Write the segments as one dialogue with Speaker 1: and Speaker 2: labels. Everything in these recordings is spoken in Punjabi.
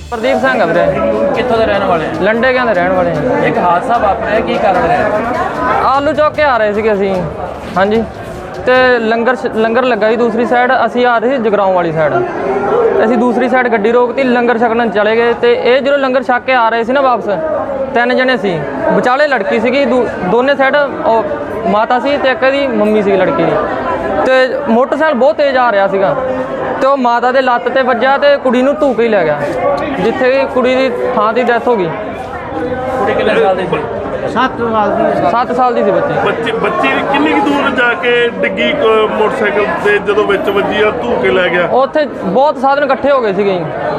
Speaker 1: प्रदीप सिंह है वीरे।
Speaker 2: कित्थों दे रहने वाले हैं?
Speaker 1: लंडे के रहने वाले हैं।
Speaker 2: एक हादसा वापरिया की कारण है?
Speaker 1: आलू चौक के आ रहे थे ਅਸੀਂ ਹਾਂਜੀ ਤੇ ਲੰਗਰ ਲੱਗਾ ਜੀ ਦੂਸਰੀ ਸਾਈਡ, ਅਸੀਂ ਆ ਰਹੇ ਸੀ ਜਗਰਾਉਂ ਵਾਲੀ ਸਾਈਡ। ਅਸੀਂ ਦੂਸਰੀ ਸਾਈਡ ਗੱਡੀ ਰੋਕਤੀ, ਲੰਗਰ ਛਕਣ ਚਲੇ ਗਏ ਤੇ ਇਹ ਜਦੋਂ ਲੰਗਰ ਛਕ ਕੇ ਆ ਰਹੇ ਸੀ ਨਾ ਵਾਪਸ, 3 ਜਣੇ ਸੀ, ਵਿਚਾਲੇ ਲੜਕੀ ਸੀਗੀ, ਦੋਨੇ ਸਾਈਡ ਮਾਤਾ ਸੀ ਤੇ ਇੱਕ ਇਹਦੀ ਮੰਮੀ ਸੀ ਲੜਕੀ ਦੀ। ਤੇ ਮੋਟਰਸਾਈਕਲ ਬਹੁਤ ਤੇਜ਼ ਆ ਰਿਹਾ ਸੀਗਾ ਤੇ ਉਹ ਮਾਤਾ ਦੇ ਲੱਤ ਤੇ ਵੱਜਾ ਤੇ ਕੁੜੀ ਨੂੰ ਧੂ ਕੇ ਹੀ ਲੈ ਗਿਆ, ਜਿੱਥੇ ਕਿ ਕੁੜੀ ਦੀ ਥਾਂ ਦੀ ਡੈਥ ਹੋ ਗਈ।
Speaker 2: ਕੁੜੀ ਕਿੰਨੇ ਸਾਲ ਦੀ ਸੀ?
Speaker 1: 7 ਸਾਲ ਦੀ ਸੀ ਬੱਚੀ।
Speaker 3: ਬੱਚੀ ਕਿੰਨੀ ਕੁ ਦੂਰ ਜਾ ਕੇ ਡਿੱਗੀ ਮੋਟਰਸਾਈਕਲ ਤੇ ਜਦੋਂ ਵਿੱਚ ਵੱਜੀ ਆ ਧੂ ਕੇ ਲੈ ਗਿਆ?
Speaker 1: ਉੱਥੇ ਬਹੁਤ ਸਾਧਨ ਇਕੱਠੇ ਹੋ ਗਏ ਸੀਗੇ,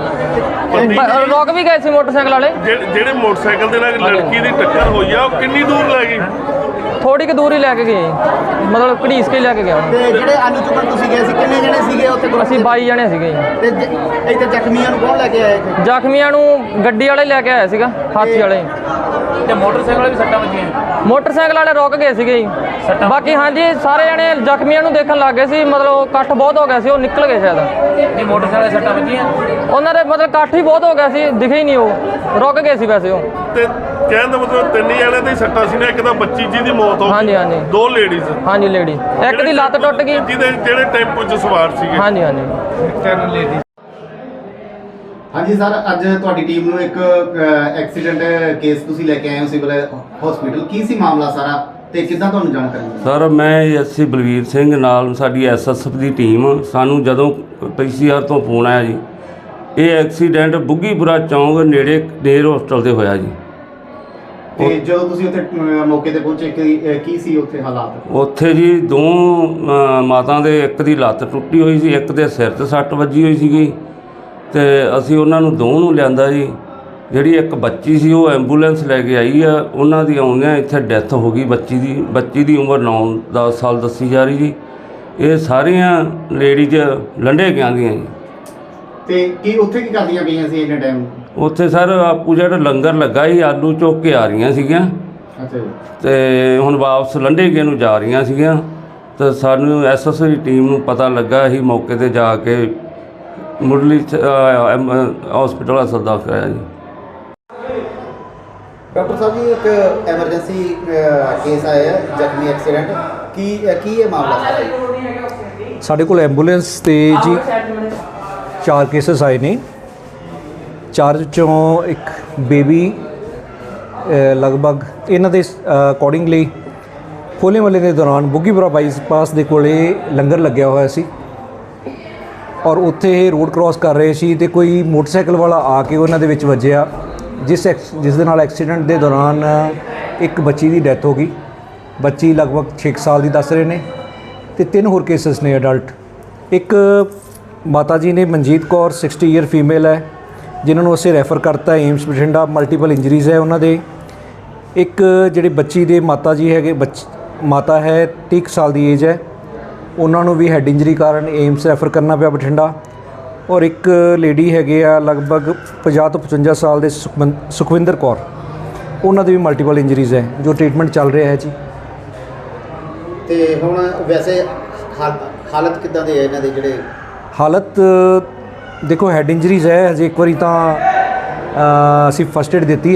Speaker 1: ਰੁਕ ਵੀ ਗਏ ਸੀ ਮੋਟਰਸਾਈਕਲ ਵਾਲੇ।
Speaker 3: ਜਿਹੜੇ ਮੋਟਰਸਾਈਕਲ ਦੇ ਨਾਲ ਲੜਕੀ ਦੀ ਟੱਕਰ ਹੋਈ ਆ ਉਹ ਕਿੰਨੀ ਦੂਰ ਲੈ ਗਈ?
Speaker 1: ਥੋੜੀ ਕੁ ਦੂਰ ਹੀ ਲੈ ਕੇ ਗਏ, ਮਤਲਬ ਘੜੀਸ ਕੇ ਲੈ ਕੇ ਗਿਆ।
Speaker 4: ਤੇ ਜਿਹੜੇ ਆਲੂ ਚੁੱਕਣ ਤੁਸੀਂ ਗਏ ਸੀ ਕਿੰਨੇ ਜਣੇ ਸੀਗੇ ਉੱਥੇ?
Speaker 1: ਅਸੀਂ 22 ਜਣੇ ਸੀਗੇ।
Speaker 4: ਤੇ ਇੱਥੇ ਜ਼ਖਮੀਆਂ ਨੂੰ ਕੌਣ ਲੈ ਕੇ ਆਇਆ?
Speaker 1: ਜ਼ਖਮੀਆਂ ਨੂੰ ਗੱਡੀ ਵਾਲੇ ਲੈ ਕੇ ਆਇਆ ਸੀਗਾ, ਹਾਥੀ ਵਾਲੇ।
Speaker 2: ਤੇ ਮੋਟਰਸਾਈਕਲ ਵਾਲੇ ਵੀ ਸੱਟਾਂ ਵੱਜੀਆਂ?
Speaker 1: ਮੋਟਰਸਾਈਕਲ ਵਾਲੇ ਰੁਕ ਗਏ ਸੀਗੇ ਜੀ। ਬਾਕੀ ਹਾਂਜੀ ਸਾਰੇ ਜਣੇ ਜ਼ਖਮੀਆਂ ਨੂੰ ਦੇਖਣ ਲੱਗ ਗਏ ਸੀ, ਮਤਲਬ ਇਕੱਠ ਬਹੁਤ ਹੋ ਗਿਆ ਸੀ, ਉਹ ਨਿਕਲ ਗਏ ਸ਼ਾਇਦ।
Speaker 2: ਨਹੀਂ ਮੋਟਰਸਾਈਕਲ ਵਾਲੇ ਸੱਟਾਂ ਵੱਜੀਆਂ?
Speaker 1: ਉਹਨਾਂ ਦੇ ਮਤਲਬ ਇਕੱਠ ਹੀ ਬਹੁਤ ਹੋ ਗਿਆ ਸੀ, ਦਿਖੇ ਹੀ ਨਹੀਂ, ਉਹ ਰੁਕ ਗਏ ਸੀ ਵੈਸੇ ਉਹ।
Speaker 3: ਤੇ ਕਹਿਣ ਦਾ ਮਤਲਬ 3 ਜਣਿਆਂ ਦੇ ਸੱਟਾਂ ਸੀ ਨਾ, ਇੱਕ ਤਾਂ ਬੱਚੀ ਜੀ ਦੀ ਮੌਤ ਹੋ ਗਈ,
Speaker 1: ਹਾਂਜੀ
Speaker 3: 2 ਲੇਡੀਜ਼,
Speaker 1: ਹਾਂਜੀ ਲੇਡੀ, ਇੱਕ ਦੀ ਲੱਤ ਟੁੱਟ ਗਈ,
Speaker 3: ਜਿਹੜੇ ਟੈਂਪੋ 'ਚ ਸਵਾਰ ਸੀਗੇ।
Speaker 1: ਹਾਂਜੀ
Speaker 4: 10 ਲੇਡੀਜ਼। ਹਾਂਜੀ ਸਰ, ਅੱਜ ਤੁਹਾਡੀ ਟੀਮ ਨੂੰ ਇੱਕ ਐਕਸੀਡੈਂਟ ਕੇਸ ਤੁਸੀਂ ਲੈ ਕੇ ਆਏ ਹੋ ਸਿਵਲ ਹਸਪੀਟਲ, ਕੀ ਸੀ ਮਾਮਲਾ ਸਾਰਾ ਤੇ ਕਿੱਦਾਂ ਤੁਹਾਨੂੰ ਜਾਣਕਾਰੀ ਮਿਲੀ?
Speaker 5: ਸਰ ਮੈਂ ਐਸਸੀ ਬਲਵੀਰ ਸਿੰਘ ਨਾਲ ਸਾਡੀ ਐਸਐਸਐਫ ਦੀ ਟੀਮ, ਸਾਨੂੰ ਜਦੋਂ ਪੀਸੀਆਰ ਤੋਂ ਫੋਨ ਆਇਆ ਜੀ, ਇਹ ਐਕਸੀਡੈਂਟ ਬੁੱਗੀਪੁਰਾ ਚੌਂਕ ਨੇੜੇ ਨੇਰ ਹੋਸਟਲ ਤੇ ਹੋਇਆ ਜੀ।
Speaker 4: ਤੇ ਜਦੋਂ ਤੁਸੀਂ ਉੱਥੇ ਮੌਕੇ ਤੇ ਪਹੁੰਚੇ ਕੀ ਸੀ ਉੱਥੇ ਹਾਲਾਤ?
Speaker 5: ਉੱਥੇ ਜੀ 2 ਮਾਤਾ ਦੇ, ਇੱਕ ਦੀ ਲੱਤ ਟੁੱਟੀ ਹੋਈ ਸੀ, ਇੱਕ ਦੇ ਸਿਰ 'ਤੇ ਸੱਟ ਵੱਜੀ ਹੋਈ ਸੀਗੀ ਤੇ ਅਸੀਂ ਉਹਨਾਂ ਨੂੰ 2 ਨੂੰ ਲਿਆਂਦਾ ਜੀ। ਜਿਹੜੀ ਇੱਕ ਬੱਚੀ ਸੀ ਉਹ ਐਂਬੂਲੈਂਸ ਲੈ ਕੇ ਆਈ ਆ, ਉਹਨਾਂ ਦੀ ਆਉਂਦਿਆਂ ਇੱਥੇ ਡੈਥ ਹੋ ਗਈ ਬੱਚੀ ਦੀ ਉਮਰ 9-10 ਸਾਲ ਦੱਸੀ ਜਾ ਰਹੀ ਜੀ। ਇਹ ਸਾਰੀਆਂ ਲੇਡੀਜ਼ ਲੰਡੇ ਗਿਆਂ ਦੀਆਂ ਜੀ।
Speaker 4: ਤੇ ਕੀ ਉੱਥੇ ਕੀ ਕਰਦੀਆਂ ਪਈਆਂ ਸੀ ਇੰਨੇ ਟਾਈਮ?
Speaker 5: ਉੱਥੇ ਸਰ ਆਪੂ ਜਿਹੜਾ ਲੰਗਰ ਲੱਗਾ ਸੀ, ਆਲੂ ਚੁੱਕ ਕੇ ਆ ਰਹੀਆਂ ਸੀਗੀਆਂ।
Speaker 4: ਅੱਛਾ ਜੀ।
Speaker 5: ਤੇ ਹੁਣ ਵਾਪਸ ਲੰਡੇ ਗੇ ਨੂੰ ਜਾ ਰਹੀਆਂ ਸੀਗੀਆਂ ਤੇ ਸਾਨੂੰ ਐਸਐਸਓ ਦੀ ਟੀਮ ਨੂੰ ਪਤਾ ਲੱਗਾ, ਅਸੀਂ ਮੌਕੇ ਤੇ ਜਾ ਕੇ ਮੁੱਢਲੀ ਹਸਪੀਟਲ ਹਸਪਤਾਲ ਦਾਖਲ ਕਰਾਇਆ ਜੀ।
Speaker 4: ਡਾਕਟਰ ਸਾਹਿਬ ਜੀ, ਇੱਕ ਐਮਰਜੈਂਸੀ ਕੇਸ ਆਇਆ ਹੈ, ਜ਼ਖਮੀ ਐਕਸੀਡੈਂਟ, ਕੀ ਇਹ ਮਾਮਲਾ ਸਾਰਾ?
Speaker 6: ਸਾਡੇ ਕੋਲ ਐਂਬੂਲੈਂਸ ਤੇ ਜੀ 4 ਕੇਸਸ ਆਏ ਨੇ। 4 ਚੋਂ ਇੱਕ ਬੇਬੀ ਲਗਭਗ ਇਹਨਾਂ ਦੇ ਅਕੋਰਡਿੰਗਲੀ ਹੋਲੇ ਮਹੱਲੇ ਦੇ ਦੌਰਾਨ ਬੁੱਗੀਪੁਰਾ ਬਾਈਪਾਸ ਦੇ ਕੋਲੇ ਲੰਗਰ ਲੱਗਿਆ ਹੋਇਆ ਸੀ ਔਰ ਉੱਥੇ ਇਹ ਰੋਡ ਕ੍ਰਾਸ ਕਰ ਰਹੇ ਸੀ ਤੇ ਕੋਈ ਮੋਟਰਸਾਈਕਲ ਵਾਲਾ ਆ ਕੇ ਉਹਨਾਂ ਦੇ ਵਿੱਚ ਵੱਜਿਆ, ਜਿਸ ਦੇ ਨਾਲ ਐਕਸੀਡੈਂਟ ਦੇ ਦੌਰਾਨ ਇੱਕ ਬੱਚੀ ਦੀ ਡੈਥ ਹੋ ਗਈ। ਬੱਚੀ ਲਗਭਗ 6 ਸਾਲ ਦੀ ਦੱਸ ਰਹੇ ਨੇ ਤੇ 3 ਹੋਰ ਕੇਸਸ ਨੇ ਅਡਲਟ। ਇੱਕ ਮਾਤਾ ਜੀ ਨੇ ਮਨਜੀਤ ਕੌਰ 60 ਈਅਰ ਫੀਮੇਲ ਹੈ, ਜਿਨ੍ਹਾਂ ਨੂੰ ਅਸੀਂ ਰੈਫਰ ਕਰਤਾ ਏਮਸ ਬਠਿੰਡਾ, ਮਲਟੀਪਲ ਇੰਜਰੀਜ਼ ਹੈ ਉਹਨਾਂ ਦੇ। ਇੱਕ ਜਿਹੜੇ ਬੱਚੀ ਦੇ ਮਾਤਾ ਜੀ ਹੈਗੇ, ਮਾਤਾ ਹੈ 30 ਸਾਲ ਦੀ ਏਜ ਹੈ, ਉਹਨਾਂ ਨੂੰ ਵੀ ਹੈਡ ਇੰਜਰੀ ਕਾਰਨ ਏਮਸ ਰੈਫਰ ਕਰਨਾ ਪਿਆ ਬਠਿੰਡਾ। ਔਰ ਇੱਕ ਲੇਡੀ ਹੈਗੇ ਆ ਲਗਭਗ 50 ਤੋਂ 55 ਸਾਲ ਦੇ ਸੁਖਵਿੰਦਰ ਕੌਰ, ਉਹਨਾਂ ਦੇ ਵੀ ਮਲਟੀਪਲ ਇੰਜਰੀਜ਼ ਹੈ ਜੋ ਟ੍ਰੀਟਮੈਂਟ ਚੱਲ ਰਿਹਾ ਹੈ ਜੀ।
Speaker 4: ਤੇ ਹੁਣ ਵੈਸੇ ਹਾਲਤ ਕਿੱਦਾਂ ਦੇ ਹੈ ਇਹਨਾਂ ਦੇ? ਜਿਹੜੇ
Speaker 6: ਹਾਲਤ ਦੇਖੋ ਹੈਡ ਇੰਜਰੀਜ਼ ਹੈ, ਹਜੇ ਇੱਕ ਵਾਰੀ ਤਾਂ ਅਸੀਂ ਫਸਟ ਏਡ ਦਿੱਤੀ ਹੈ।